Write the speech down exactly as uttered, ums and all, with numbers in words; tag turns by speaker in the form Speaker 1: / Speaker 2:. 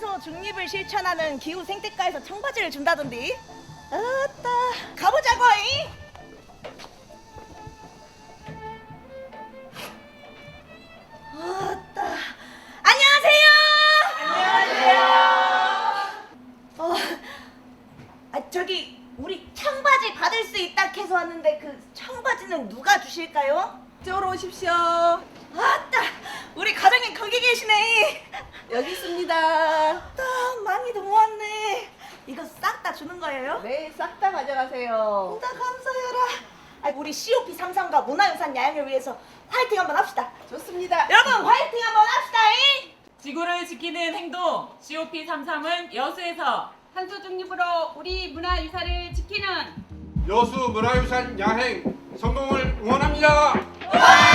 Speaker 1: 탄소 중립을 실천하는 기후 생태과에서 청바지를 준다던데. 아따, 가보자고잉. 아따, 안녕하세요. 안녕하세요. 어, 아 저기 우리 청바지 받을 수 있다 해서 왔는데 그 청바지는 누가 주실까요?
Speaker 2: 이쪽으로 오십시오.
Speaker 1: 아따, 우리 과장님 거기 계시네.
Speaker 2: 여기 있습니다.
Speaker 1: 아따, 많이도 모았네. 이거 싹 다 주는 거예요?
Speaker 2: 네, 싹 다 가져가세요.
Speaker 1: 아따, 감사해라. 아, 우리 씨오피 삼십삼과 문화유산 야영을 위해서 화이팅 한번 합시다.
Speaker 2: 좋습니다.
Speaker 1: 여러분 화이팅 한번 합시다잉.
Speaker 3: 지구를 지키는 행동 씨오피 삼십삼은 여수에서
Speaker 4: 탄소 중립으로 우리 문화유산을 지키는
Speaker 5: 여수 문화유산 야행 성공을 응원합니다.
Speaker 1: 와!